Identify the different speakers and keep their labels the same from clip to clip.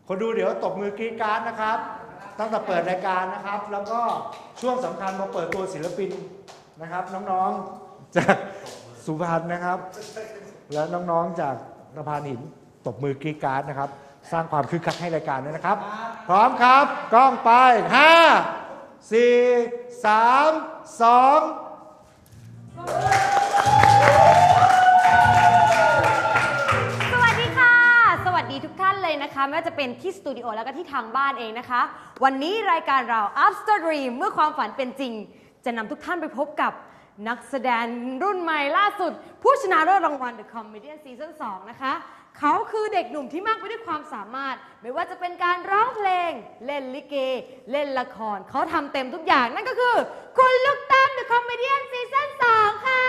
Speaker 1: คนดูเดี๋ยวตบมือกรี๊ดกราร์ดนะครับตั้งแต่เปิดรายการนะครับแล้วก็ช่วงสำคัญมาเปิดตัวศิลปินนะครับน้องๆจากสุพรรณนะครับและน้องๆจากสะพานหินตบมือกรี๊ดกราร์ดนะครับสร้างความคึกคักให้รายการด้วยนะครับพร้อมครับกล้องไป5 4 3 2
Speaker 2: ทุกท่านเลยนะคะไม่ว่าจะเป็นที่สตูดิโอแล้วก็ที่ทางบ้านเองนะคะวันนี้รายการเรา After Dream เมื่อความฝันเป็นจริงจะนำทุกท่านไปพบกับนักแสดงรุ่นใหม่ล่าสุดผู้ชนะเลิศรางวัล The Comedian Season 2 นะคะเขาคือเด็กหนุ่มที่มากไปด้วยความสามารถไม่ว่าจะเป็นการร้องเพลงเล่นลิเกเล่นละครเขาทำเต็มทุกอย่างนั่นก็คือคุณลูกตั้ม The Comedian Season 2 ค่ะ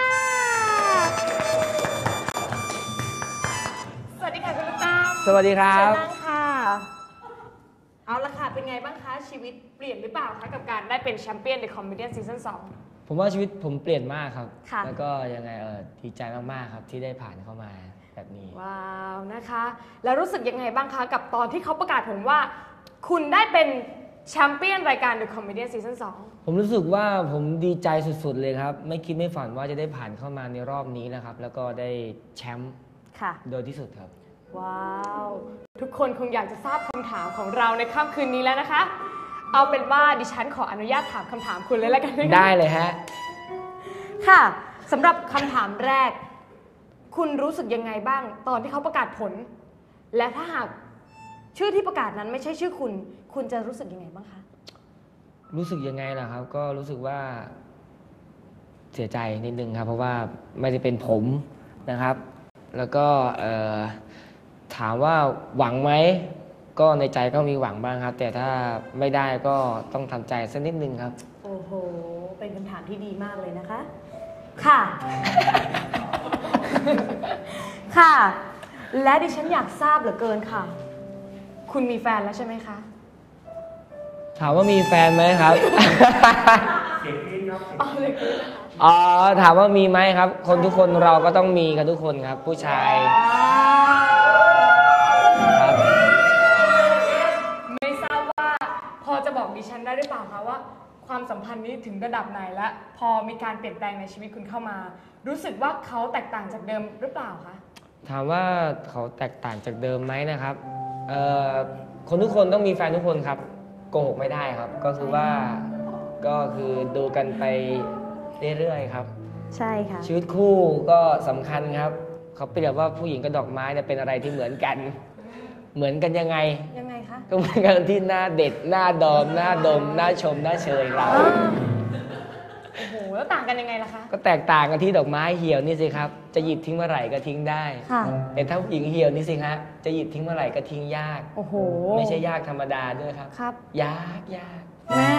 Speaker 2: สวัสดีค่ะคุณลูกตั้ม
Speaker 3: สวัสดีครับ
Speaker 2: เชิญนั่งค่ะเอาละค่ะเป็นไงบ้างคะชีวิตเปลี่ยนหรือเปล่าคะกับการได้เป็นแชมเปี้ยน The Comedian Season 2
Speaker 3: ผมว่าชีวิตผมเปลี่ยนมากครับ
Speaker 2: ค่ะ
Speaker 3: แล้วก็ยังไงดีใจมากๆครับที่ได้ผ่านเข้ามาแบบนี้
Speaker 2: ว้าวนะคะแล้วรู้สึกยังไงบ้างคะกับตอนที่เขาประกาศผลว่าคุณได้เป็นแชมเปี้ยนรายการ The Comedian Season 2
Speaker 3: ผมรู้สึกว่าผมดีใจสุดๆเลยครับไม่คิดไม่ฝันว่าจะได้ผ่านเข้ามาในรอบนี้นะครับแล้วก็ได้แชมป์โดยที่สุดครับ
Speaker 2: ว้าวทุกคนคงอยากจะทราบคำถามของเราในค่ำคืนนี้แล้วนะคะเอาเป็นว่าดิฉันขออนุญาตถามคำถามคุณเลยแล้วกัน
Speaker 3: ได้เลยฮะ
Speaker 2: ค่ะสำหรับคำถามแรกคุณรู้สึกยังไงบ้างตอนที่เขาประกาศผลและถ้าหากชื่อที่ประกาศนั้นไม่ใช่ชื่อคุณคุณจะรู้สึกยังไงบ้างคะ
Speaker 3: รู้สึกยังไงล่ะครับก็รู้สึกว่าเสียใจนิดนึงครับเพราะว่าไม่ได้เป็นผมนะครับแล้วก็ถามว่าหวังไหมก็ในใจก็มีหวังบ้างครับแต่ถ้าไม่ได้ก็ต้องทำใจสักนิดนึงครับ
Speaker 2: โอ้โหเป็นคำถามที่ดีมากเลยนะคะค่ะ ค่ะและดิฉันอยากทราบเหลือเกินค่ะคุณมีแฟนแล้วใช่ไหมคะ
Speaker 3: ถามว่ามีแฟนไหมครับ
Speaker 1: เสียงกรี๊ดครับ
Speaker 3: อ๋อถามว่ามีไหมครับคนทุกคนเราก็ต้องมีกันทุกคนครับผู้ชาย
Speaker 2: ครับไม่ทราบว่าพอจะบอกดิฉันได้หรือเปล่าคะว่าความสัมพันธ์นี้ถึงระดับไหนและพอมีการเปลี่ยนแปลงในชีวิตคุณเข้ามารู้สึกว่าเขาแตกต่างจากเดิมหรือเปล่าคะ
Speaker 3: ถามว่าเขาแตกต่างจากเดิมไหมนะครับคนทุกคนต้องมีแฟนทุกคนครับโกหกไม่ได้ครับก็คือว่าก็คือดูกันไปเรื่อยๆครับ
Speaker 2: ใช่ค่ะ
Speaker 3: ชีวิตคู่ก็สำคัญครับเขาเปรียบว่าผู้หญิงกับดอกไม้เนี่ยเป็นอะไรที่เหมือนกันยังไง
Speaker 2: คะ
Speaker 3: ก็เหมือนกันที่หน้าเด็ดหน้าดอมหน้าดมหน้าชมหน้าเชยเรา
Speaker 2: โอ้โหแล้วต่างกันยังไงล่ะคะ
Speaker 3: ก็แตกต่างกันที่ดอกไม้เหี่ยวนี่สิครับจะหยิบทิ้งเมื่อไหร่ก็ทิ้งได้แต่ถ้าผู้หญิงเหี่ยวนี่สิฮะจะหยิบทิ้งเมื่อไหร่ก็ทิ้งยาก
Speaker 2: โอ้โห
Speaker 3: ไม่ใช่ยากธรรมดาด้วยครับยาก
Speaker 2: แม่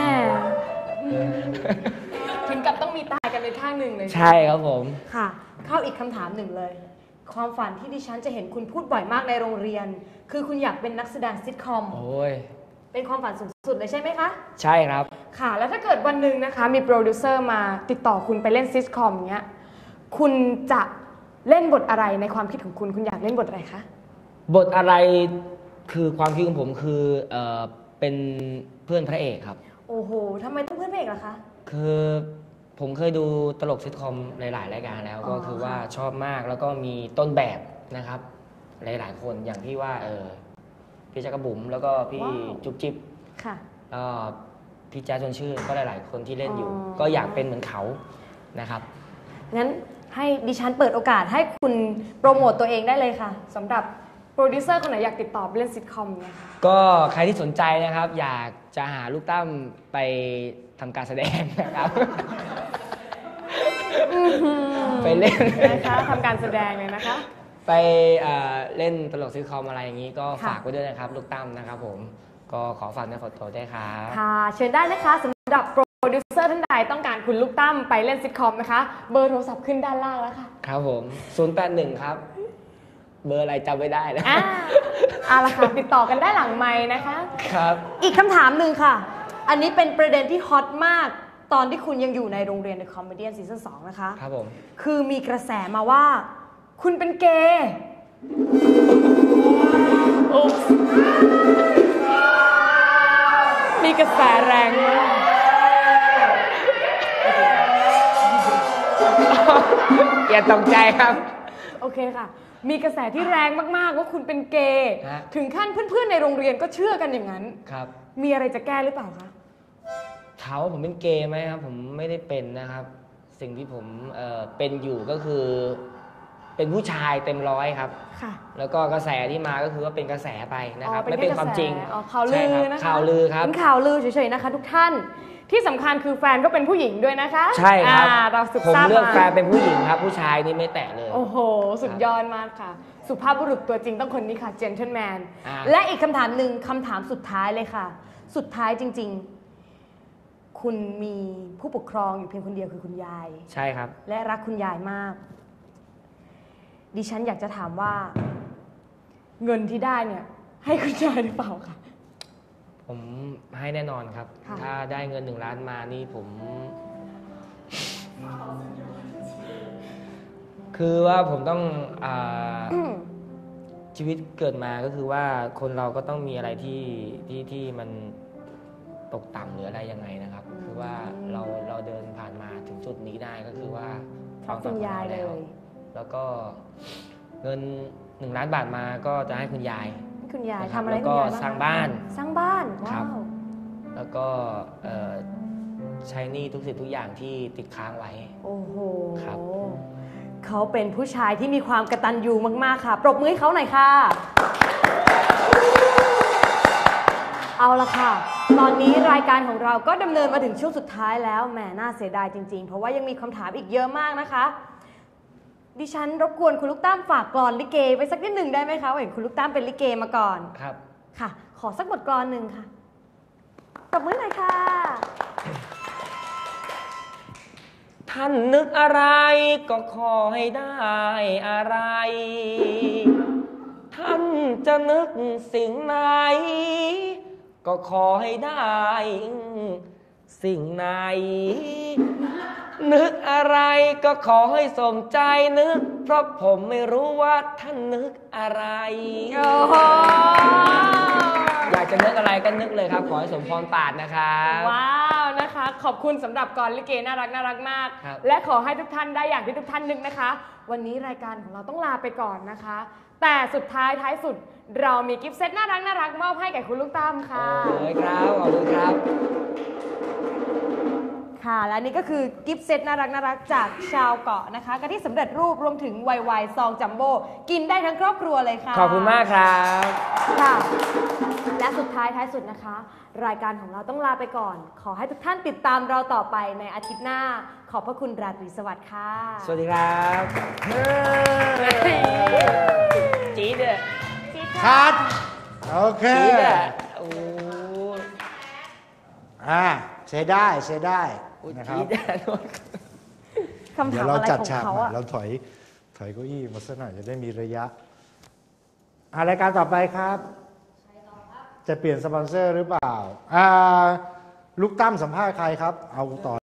Speaker 2: ถึงกับต้องมีตายกันในข้างหนึ่งเลย
Speaker 3: ใช่ครับผม
Speaker 2: ค่ะเข้าอีกคำถามหนึ่งเลยความฝันที่ดิฉันจะเห็นคุณพูดบ่อยมากในโรงเรียนคือคุณอยากเป็นนักแสดงซิทคอม
Speaker 3: โอ้ย
Speaker 2: เป็นความฝันสูงสุดเลยใช่ไหมคะ
Speaker 3: ใช่ครับ
Speaker 2: ค่ะแล้วถ้าเกิดวันหนึ่งนะคะมีโปรดิวเซอร์มาติดต่อคุณไปเล่นซิทคอมเงี้ยคุณจะเล่นบทอะไรในความคิดของคุณอยากเล่นบทอะไรคะ
Speaker 3: บทอะไรคือความคิดของผมคือเป็นเพื่อนพระเอกครับ
Speaker 2: โอ้โหทำไมต้องเพื่อนพระเอกล่ะคะ
Speaker 3: คือผมเคยดูตลกซิทคอมหลายๆรายการแล้วก็คือว่าชอบมากแล้วก็มีต้นแบบนะครับหลายๆคนอย่างที่ว่าพี่จักรบุ๋มแล้วก็พี่จุ๊บจิ๊บ
Speaker 2: ค่ะ
Speaker 3: พี่แจ๊สชวนชื่นก็หลายๆคนที่เล่นอยู่ก็อยากเป็นเหมือนเขานะครับ
Speaker 2: งั้นให้ดิฉันเปิดโอกาสให้คุณโปรโมตตัวเองได้เลยค่ะสำหรับโปรดิวเซอร์คนไหนอยากติดต่อไปเล่นซิทคอมเนี่ยค่ะ
Speaker 3: ก็ใครที่สนใจนะครับอยากจะหาลูกตั้มไปทำการแสดงนะครับไปเล่น
Speaker 2: นะคะทำการแสดงเลยนะคะ
Speaker 3: ไปเล่นตลกซิทคอมอะไรอย่างนี้ก็ฝากไว้ด้วยนะครับลูกตั้มนะครับผมก็ขอฝากเนื้อฝากตัวด้วยครับ
Speaker 2: ค่ะเชิญได้นะคะสำหรับโปรดิวเซอร์ท่านใดต้องการคุณลูกตั้มไปเล่นซิทคอมนะคะเบอร์โทรศัพท์ขึ้นด้านล่างแล้วค่ะ
Speaker 3: ครับผม081ครับเบอร์อะไรจำไม่ได้แล้ว
Speaker 2: เอาละค่ะติดต่อกันได้หลังไมค์นะคะ
Speaker 3: ครับ
Speaker 2: อีกคำถามหนึ่งค่ะอันนี้เป็นประเด็นที่ฮอตมากตอนที่คุณยังอยู่ในโรงเรียน The Comedian Season 2 นะคะ
Speaker 3: ครับผม
Speaker 2: คือมีกระแสมาว่าคุณเป็นเกย์
Speaker 3: แรงมากอย่าตกใจครับ
Speaker 2: โอเคค่ะ มีกระแสที่แรงมากๆว่าคุณเป็นเกย์
Speaker 3: ฮะ
Speaker 2: ถึงขั้นเพื่อนๆในโรงเรียนก็เชื่อกันอย่างนั้น
Speaker 3: ครับ
Speaker 2: มีอะไรจะแก้หรือเปล่าคะ
Speaker 3: ถามว่าผมเป็นเกย์ไหมครับ ผมไม่ได้เป็นนะครับ สิ่งที่ผมเป็นอยู่ก็คือ เป็นผู้ชายเต็มร้อยครับ
Speaker 2: ค่ะ
Speaker 3: แล้วก็กระแสที่มาก็คือว่าเป็นกระแสไปนะครับ
Speaker 2: อ๋อ
Speaker 3: ไม่เป็นความจริง
Speaker 2: อ๋อข่าวลือ
Speaker 3: ใช่รับ
Speaker 2: นะคะ
Speaker 3: ข่าวลือครับ
Speaker 2: เป็นข่าวลือเฉยๆนะคะ ทุกท่าน ที่สำคัญคือแฟนก็เป็นผู้หญิงด้วยนะคะ
Speaker 3: ใช่ครับ
Speaker 2: เราสืบ
Speaker 3: ผม
Speaker 2: ทราบ
Speaker 3: เลือก
Speaker 2: มา
Speaker 3: แฟนเป็นผู้หญิงครับ ผู้ชายนี่ไม่แตะเลย
Speaker 2: โอ้โห สุดยอดมากค่ะ สุภาพบุรุษตัวจริงต้องคนนี้ค่ะ gentleman
Speaker 3: อ่า
Speaker 2: และอีกคำถามหนึ่งคำถามสุดท้ายเลยค่ะ สุดท้ายจริงๆ คุณมีผู้ปกครองอยู่เพียงคนเดียวคือคุณยาย
Speaker 3: ใช่ครับ
Speaker 2: และรักคุณยายมาก ดิฉันอยากจะถามว่า เงินที่ได้เนี่ย ให้คุณยายหรือเปล่าคะ
Speaker 3: ผมให้แน่นอนครับ
Speaker 2: ค่ะ
Speaker 3: ถ้าได้เงิน1 ล้านมานี่ผม คือว่าผมต้องชีวิตเกิดมาก็คือว่าคนเราก็ต้องมีอะไรที่มันตกต่ำหรืออะไรยังไงนะครับ คือว่าเราเดินผ่านมาถึงจุดนี้ได้ก็คือว่า
Speaker 2: เพราะคุณยายเลย
Speaker 3: แล้วก็เงิน1 ล้านบาทมาก็จะให้คุณยาย
Speaker 2: ให้คุณยาย
Speaker 3: นะครับ
Speaker 2: ทำอะไรให้
Speaker 3: แล้ว
Speaker 2: คุ
Speaker 3: ก็
Speaker 2: ณยายบ้าง
Speaker 3: สร้างบ้าน
Speaker 2: สร้างบ้าน
Speaker 3: ครั
Speaker 2: ว้า
Speaker 3: บ
Speaker 2: ว
Speaker 3: แล้วก็ใช้หนี้ทุกสิ่งทุกอย่างที่ติดค้างไว้
Speaker 2: โอ้โห
Speaker 3: ครับ
Speaker 2: เขาเป็นผู้ชายที่มีความกตัญญูมากๆค่ะ ปรบมือให้เขาหน่อยค่ะ เอาละค่ะ ตอนนี้รายการของเราก็ดำเนินมาถึงช่วงสุดท้ายแล้ว แหม น่าเสียดายจริงๆ เพราะว่ายังมีคำถามอีกเยอะมากนะคะ ดิฉันรบกวนคุณลูกตั้มฝากกลอนลิเกไปสักนิดหนึ่งได้ไหมคะเห็นคุณลูกตั้มเป็นลิเกมาก่อน
Speaker 3: ครับ
Speaker 2: ค่ะ ขอสักบทกลอนหนึ่งค่ะปรบมือหน่อยค่ะ
Speaker 3: ท่านนึกอะไรก็ขอให้ได้อะไร ท่านจะนึกสิ่งไหน ก็ขอให้ได้สิ่งไหน นึกอะไรก็ขอให้สมใจนึก เพราะผมไม่รู้ว่าท่านนึกอะไร
Speaker 2: โอ้โห
Speaker 3: อยากจะนึกอะไรก็นึกเลยครับ ขอให้สมพรปรารถนะครับ
Speaker 2: ว้าวนะคะ ขอบคุณสำหรับกรลิเกน่ารักน่ารักมาก
Speaker 3: ครับ
Speaker 2: และขอให้ทุกท่านได้อย่างที่ทุกท่านนึกนะคะ วันนี้รายการของเราต้องลาไปก่อนนะคะ แต่สุดท้ายท้ายสุดเรามีกิฟต์เซตน่ารักน่ารักมอบให้แก่คุณลูกตั้มค่ะ
Speaker 3: โอ้ยครับ ขอบคุณครับ
Speaker 2: ค่ะและนี่ก็คือกิฟต์เซตน่ารักน่ารักจากชาวเกาะนะคะกะทิสำเร็จรูปรวมถึงไวๆซองจัมโบ้กินได้ทั้งครอบครัวเลยค่ะ
Speaker 3: ขอบคุณมากครับ
Speaker 2: ค่ะ และสุดท้ายท้ายสุดนะคะ รายการของเราต้องลาไปก่อน ขอให้ทุกท่านติดตามเราต่อไปในอาทิตย์หน้า ขอบพระคุณราตรีสวัสดิ์ค่ะ
Speaker 3: สวัสดีครับจี๊ดเลย
Speaker 1: คัดโอเค
Speaker 3: จี๊ดอ่ะโอ้
Speaker 1: ใช้ได้ใช้ได้นะครับ
Speaker 3: จี๊ดอ่ะ
Speaker 2: คำ
Speaker 1: เดี๋
Speaker 2: ถาย ม
Speaker 1: วเรา
Speaker 2: อะไร
Speaker 1: จัด
Speaker 2: ของ
Speaker 1: ฉาก
Speaker 2: เขา
Speaker 1: ใหม่
Speaker 2: อะ
Speaker 1: เราถอยเก้าอี้มาสักหน่อยจะได้มีระยะรายการต่อไปครับ จะเปลี่ยนสปอนเซอร์หรือเปล่าลูกตั้มสัมภาษณ์ใครครับ เอาต่อ